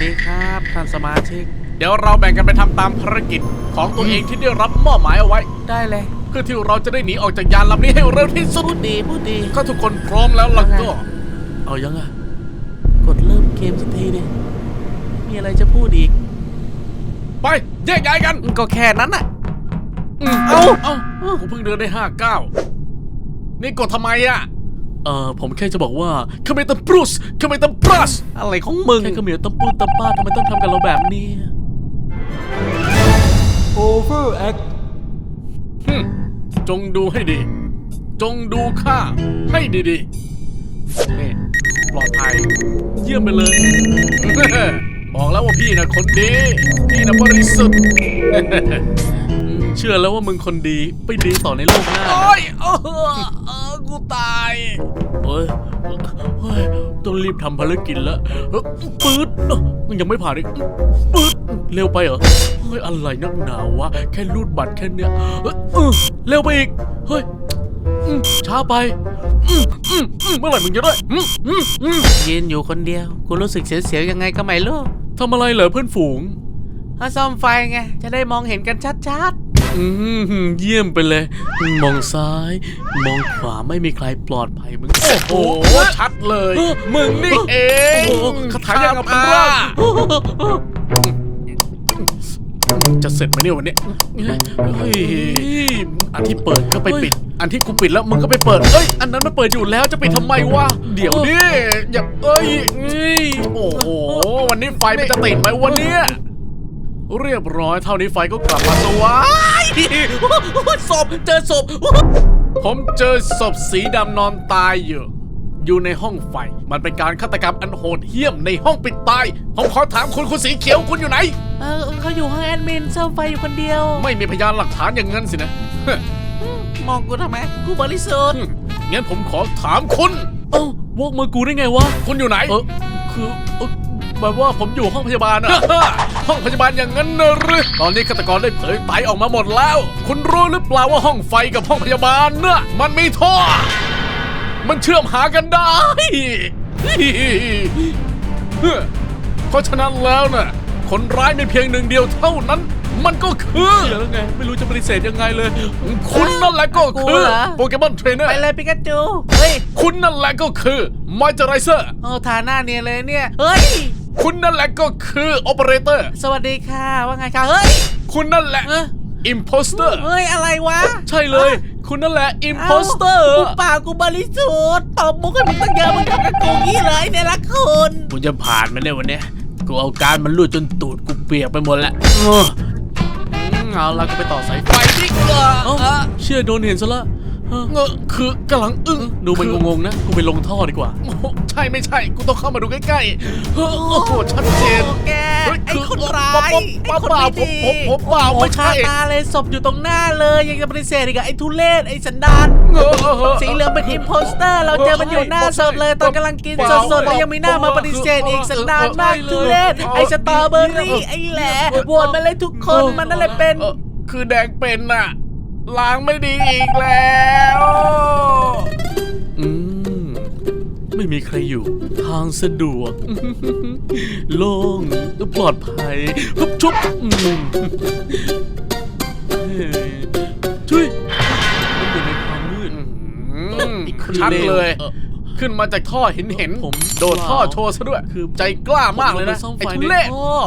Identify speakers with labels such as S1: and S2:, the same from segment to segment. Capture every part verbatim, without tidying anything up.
S1: ดีครับท่านสมาชิก
S2: เดี๋ยวเราแบ่งกันไปทำตามภารกิจของตัวเองที่ได้รับมอบหมายเอาไว้
S1: ได้เลย
S2: เพื่อที่เราจะได้หนีออกจากยานลำนี้ให้เร็วที่สุด
S1: พูดดีพูดดี
S2: ก็ทุกคนพร้อมแล้วล่ะก็
S1: เอายังอ่ะกดเริ่มเกมสักทีดิมีอะไรจะพูดอีก
S2: ไปแยกย้ายกัน
S1: ก็แค่นั้นน่ะ
S2: เอาเอาผมเพิ่งเดินได้ห้าเก้านี่กดทำไมอ่ะ
S1: เออผมแค่จะบอกว่าเขมรตัมปรุสเขมรตัมปรัสอะไรของมึงแค่เขมรตัมปูตัมป้าทำไมต้องทำกับเราแบบนี้
S3: Overact
S2: จงดูให้ดีจงดูข้าให้ดีๆนี่ปลอดภัยเยี่ยมไปเลย บอกแล้วว่าพี่นะคนดีพี่นะบริสุทธิ์
S1: เชื่อแล้วว่ามึงคนดีไปดีต่อในโลกหน้า
S2: โอ้ยเออเออกูตาย
S1: เฮ้ยเฮ้ยต้องรีบทำภารกิจแล้วปื๊ดมันยังไม่ผ่านอีกปื๊ดเร็วไปเหรอเฮ้ยอะไรนักหนาวะแค่รูดบัตรแค่เนี้ยเร็วไปอีกเฮ้ยช้าไปเมื่อไหร่มึงจะได้ยืนอยู่คนเดียวกูรู้สึกเสียวๆยังไงก็ไม่รู้ทำอะไรเหรอเพื่อนฝูงถ้าซ่อมไฟไงจะได้มองเห็นกันชัดๆอืมเยี่ยมไปเลยมองซ้ายมองขวาไม่มีใครปลอดภัยมึง
S2: โอ้โหชัดเลยมึงนี่เองคาถายังกับพระจะเสร็จไหมเนี่ยวันนี้อันที่เปิดก็ไปปิดอันที่กูปิดแล้วมึงก็ไปเปิดเอ้ยอันนั้นมันเปิดอยู่แล้วจะปิดทำไมวะเดี๋ยวดิอย่าเอ้ยโอ้โหวันนี้ไฟมันจะติดไหมวันนี้เรียบร้อยเท่านี้ไฟก็กลับมาสว่างศพเจอศพผมเจอศพสีดำนอนตายอยู่อยู่ในห้องไฟมันเป็นการฆาตกรรมอันโหดเหี้ยมในห้องปิดตายผมขอถามคุณคุณสีเขียวคุณอยู่ไหน
S1: เออเขาอยู่ห้องแอดมินซ่อมไฟอยู่คนเดียว
S2: ไม่มีพยานหลักฐานอย่างนั้นสินะ
S1: มองกูทำไมกูบริสุทธิ์
S2: งั้นผมขอถามคุณ
S1: เอ้าวกมือกูได้ไงวะ
S2: คุณอยู่ไหน
S1: เออคือแบบว่าผมอยู่ห้องพยาบาลอะ
S2: ห้องพยาบาลอย่างนั้นนะหรือตอนนี้ฆาตกรได้เผยไตออกมาหมดแล้วคุณรู้หรือเปล่าว่าห้องไฟกับห้องพยาบาลน่ะมันมีท่อมันเชื่อมหากันได้ เพราะฉะนั้นแล้วน่ะคนร้ายมีเพียงหนึ่งเดียวเท่านั้นมันก็คือ
S1: เดี๋ยวไงไม่รู้จะปฏิเสธยังไงเลย
S2: คุณนั่นแหละก็คือโปเกมอนเทรนเนอร์
S1: ไปเลยปิกาจูเฮ้ย
S2: คุณนั่นแหละก็คือมอยเจอไรเซอร์
S1: โอ้ทาหน้าเนี่ยเลยเนี่ยเฮ้ย
S2: คุณนั่นแหละก็คือโอเปอเรเตอร์
S1: สวัสดีค่ะว่าไงคะเฮ้ย
S2: คุณนั่นแหละอิมโพสเตอร์
S1: เฮ้ยอะไรวะ
S2: ใช่เลยคุณนั่นแหละอิมโพสเตอร์
S1: กูเปล่ากูบริสุทธิ์ตบมุกให้มึงตั้งเยอะมึงทำกับกูงี้เลยเนี่ยละคุณ
S2: กูจะผ่านมันได้วันนี้กูเอาการมันรูดจนตูดกูเปียกไปหมดแล้ว
S1: เอาละก็ไปต่อสายไฟดิกว่าเชื่อโดนเห็นซะละ
S2: เงอะคือกำลังอึ้ง
S1: ดูมันงงๆนะกูไปลงท่อดีกว่า
S2: ใช่ไม่ใช่กูต้องเข้ามาดูใกล้ๆโอ้โหชัดเจน
S1: แกไอ้คนร้ายไอ้คนไม่ดี
S2: ผมผมเปล่าไม่ใช่
S1: ตาเลยศพอยู่ตรงหน้าเลยยังจะปฏิเสธอีกไอ้ทุเรศไอ้สันดานสีเหลืองเป็นอิมโพสเตอร์เราเจอมันอยู่หน้าศพเลยตอนกำลังกินสดๆแล้วยังมีหน้ามาปฏิเสธอีกสันดานมากทุเรศไอ้สตรอเบอรี่ไอ้แหล่โหวตมาเลยทุกคนมันนั่นแหละเป็น
S2: คือแดงเป็นน่ะล้างไม่ดีอีกแล้ว
S1: อืมไม่มีใครอยู่ทางสะดวกโล่งปลอดภัยชุบชุบช่วยมันอยู่ในความมืด
S2: ชัดเลยขึ้นมาจากท่อเห็นเห็นผมโดดท่อโชว์ซะด้วยคือใจกล้ามากเลยนะไอ้ทุเล่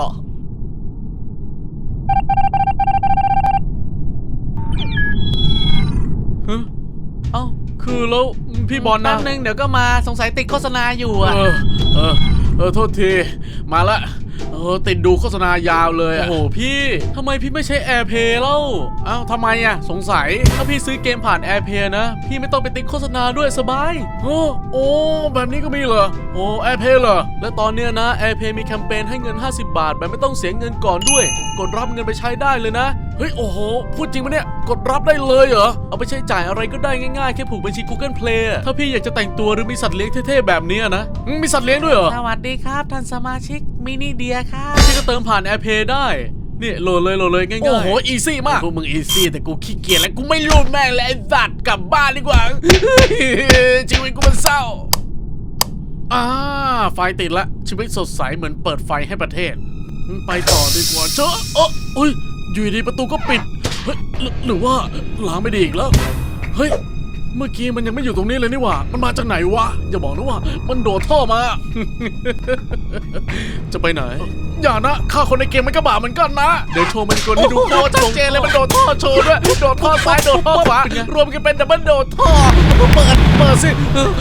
S1: เอ้าคือแล้วพี่บอลนะแป๊บนึงเดี๋ยวก็มาสงสัยติดโฆษณาอยู่อ่ะ
S2: เออเออเออโทษทีมาละเออติดดูโฆษณายาวเลย
S1: โอ้โหพี่ทำไมพี่ไม่ใช้ AirPlay เล่า
S2: เอ้าทำไมอ่ะสงสัย
S1: ถ้าพี่ซื้อเกมผ่าน AirPlay นะพี่ไม่ต้องไปติดโฆษณาด้วยสบาย
S2: โอ้โอ้แบบนี้ก็มีเหรอโอ้ AirPlay เหรอ
S1: และตอนเนี้ยนะ AirPlay มีแคมเปญให้เงินห้าสิบบาทแบบไม่ต้องเสียเงินก่อนด้วยกดรับเงินไปใช้ได้เลยนะ
S2: เฮ้ยโอ้โหพูดจริงปะเนี่ยกดรับได้เลยเหรอ
S1: เอาไปใช้จ่ายอะไรก็ได้ง่ายๆแค่ผูกบัญชี Google Play ถ้าพี่อยากจะแต่งตัวหรือมีสัตว์เลี้ยงเท่ๆแบบนี้นะ
S2: มีสัตว์เลี้ยงด้วยเหรอ
S1: สวัสดีครับท่านสมาชิกมินิเดียครับพี่ก็เติมผ่าน AirPlay ได้นี่โหลดเลยโหลดเลยง่ายๆ
S2: โอ้โหอีซี่มากพวกมึงอีซี่แต่กูขี้เกียจแล้วกูไม่รู้แม่งเลยไอ้สัตว์กลับบ้านดีกว่าชีวิตกูมันเศร้าอ่าไฟติดละชีวิตสดใสเหมือนเปิดไฟให้ประเทศไปต่อดีกว่าเจ้าเออเฮ้ยอยู่ดีประตูก็ปิดเฮ้ยหรือหรือว่าล้างไม่ดีอีกแล้วเฮ้ยเมื่อกี้มันยังไม่อยู่ตรงนี้เลยนี่หว่ามันมาจากไหนวะอย่าบอกนะว่ามันโดดท่อมา จะไปไหนอย่านะฆ่าคนในเกมมันก็บาปเหมือนกันนะเดี๋ยวโชว์มันกลให้ดูโคตรชัดเจนเลยมันโดดท่อโชว์ด้วยโดดท่อซ้ายโดดท่อขวารวมกันเป็นดับเบิลโดดท่อเปิดเปิดสิ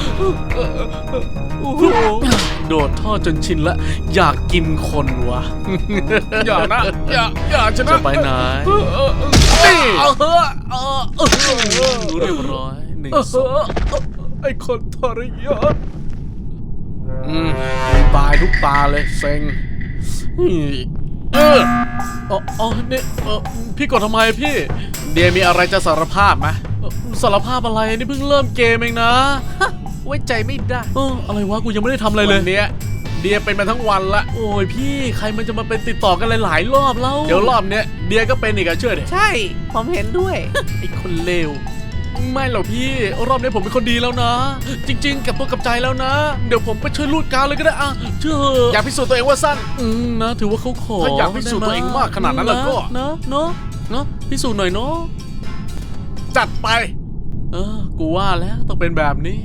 S2: โดดท่อจนชินละอยากกินคนวะ อย่านะอย่าอย่าจะนะจะไปไหนนี่เออเออเออรู้เรียบร้อยหนึ่งสองไอ้คนทรยศอืมตายทุกตาเลยเซ็งเอออ๋ออ๋อนี่เออพี่กดทำไมพี่เดียมีอะไรจะสารภาพไหมสารภาพอะไรนี่เพิ่งเริ่มเกมเองนะไว้ใจไม่ได้เอออะไรวะกูยังไม่ได้ทำอะไรเลยวันเนี้ยเดียเป็นมาทั้งวันละโอ้ยพี่ใครมันจะมาเป็นติดต่อกันหลายๆรอบแล้วเดี๋ยวรอบเนี้ยเดียก็เป็นอีกอะเชื่อดิ
S3: ใช่ผมเห็นด้วย
S2: ไอ้คนเลวไม่หรอกพี่รอบนี้ผมเป็นคนดีแล้วนะ จริงๆกับตัวกับใจแล้วนะ เดี๋ยวผมไปช่วยลูดการเลยก็ได้อะเชื่ออยากพิสูจน์ตัวเองว่าสั้นอืมนะถือว่าเขาขอถ้าอยากพิสูจน์ตัวเองมากขนาดนั้นแล้วก็นะเนาะเนาะพิสูจน์หน่อยเนาะจัดไปเออกูว่าแล้วต้องเป็นแบบนี้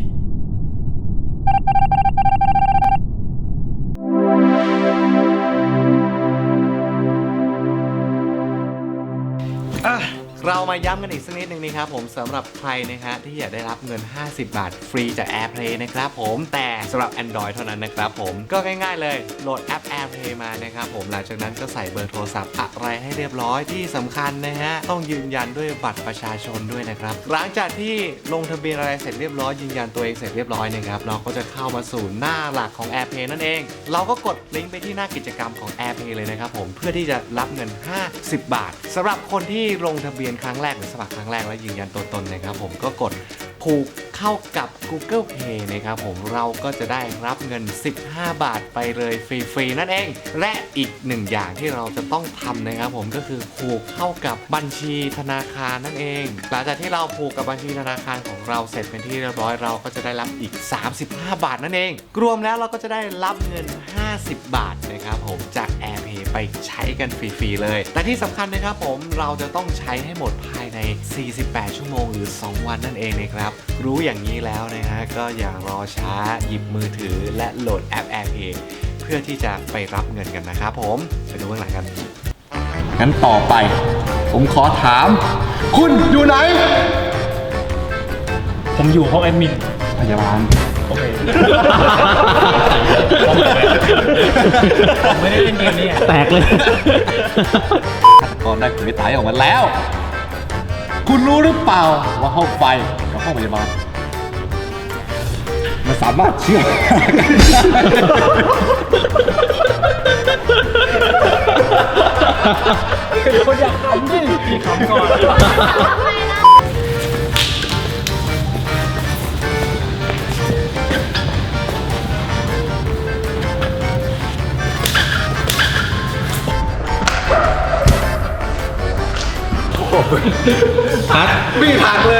S3: อ่ะเรามาย้ำกันอีกสักนิดนึงนะครับผมสำหรับใครนะฮะที่อยากได้รับเงินห้าสิบบาทฟรีจาก AirPlay นะครับผมแต่สำหรับ Android เท่านั้นนะครับผมก็ง่ายๆเลยโหลดแอป AirPlay มานะครับผมหลังจากนั้นก็ใส่เบอร์โทรศัพท์อะไรให้เรียบร้อยที่สำคัญนะฮะต้องยืนยันด้วยบัตรประชาชนด้วยนะครับหลังจากที่ลงทะเบียนอะไรเสร็จเรียบร้อยยืนยันตัวเองเสร็จเรียบร้อยนะครับเราก็จะเข้ามาสู่หน้าหลักของ AirPlay นั่นเองเราก็กดลิงก์ไปที่หน้ากิจกรรมของ AirPlay เลยนะครับผมเพื่อที่จะรับเงินห้าสิบบาทสำหรับคนที่ลงทะเบียนครั้งแรกหรือสมัครครั้งแรกแล้วยืนยันตัวตนนะครับผมก็กดผูกเข้ากับ Google Pay นะครับผมเราก็จะได้รับเงินสิบห้าบาทไปเลยฟรีๆนั่นเองและอีกหนึ่งอย่างที่เราจะต้องทำนะครับผมก็คือผูกเข้ากับบัญชีธนาคารนั่นเองหลังจากที่เราผูกกับบัญชีธนาคารของเราเสร็จเป็นที่เรียบร้อยเราก็จะได้รับอีกสามสิบห้าบาทนั่นเองรวมแล้วเราก็จะได้รับเงินห้าสิบบาทนะครับผมจาก AirPlay ไปใช้กันฟรีๆเลยแต่ที่สำคัญนะครับผมเราจะต้องใช้ให้หมดภายในสี่สิบแปดชั่วโมงหรือสองวันนั่นเองนะครับรู้อย่างนี้แล้วนะฮะก็อย่ารอช้าหยิบมือถือและโหลดแอป AirPlay เพื่อที่จะไปรับเงินกันนะครับผมไปดูเบื้องหลังกันงั้นต่อไปผมขอถามคุณอยู่ไหน
S4: ผมอยู่ห้องแอดมิน
S3: พยาบาล
S4: โอเคผมไม่ได้เล่นเกมนี้แตกเลย
S3: ก็ได้ผลวิจัยออกมาแล้ว คุณรู้หรือเปล่าว่าห้องไฟกับห้องพยาบาลมันสามารถเชื่อม
S4: คนอยากขำดิพี่ขำก่อนพัด
S3: วิ่งผ่านเลย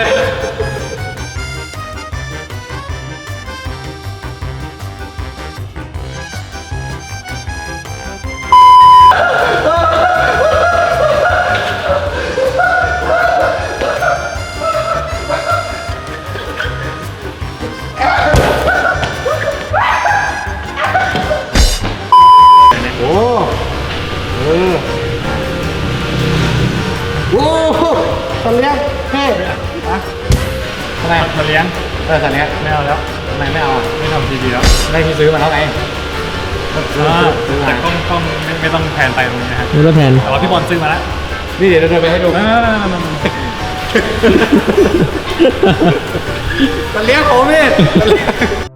S3: โอ้เออโอ้สัตว์เลี้ยงเฮ้ยอะทำไม
S4: มาเลี้ยง
S3: เออสัตว์เลี้ยง
S4: ไม่เอาแล้ว
S3: ทำไมไม่เอาอ่ะ
S4: ไม่ทำทีวีแล้ว
S3: ได้ที่ซื้อมาแล้วไงซื้อ
S4: อ่า
S3: ซื้อมา
S4: แต่กล้องกล้องไม่ไม่ต้องแพนไปตรงนี้นะฮะ
S5: ไม่ต้องแพน
S4: แต่ว่าพี่บอลซื้อมาแล้ว
S3: นี่เดี๋ยวเดินไปให้ดู
S4: ไม่ไม่ไม่ไม่ไม่
S3: สัตว์เลี้ยงผมนี่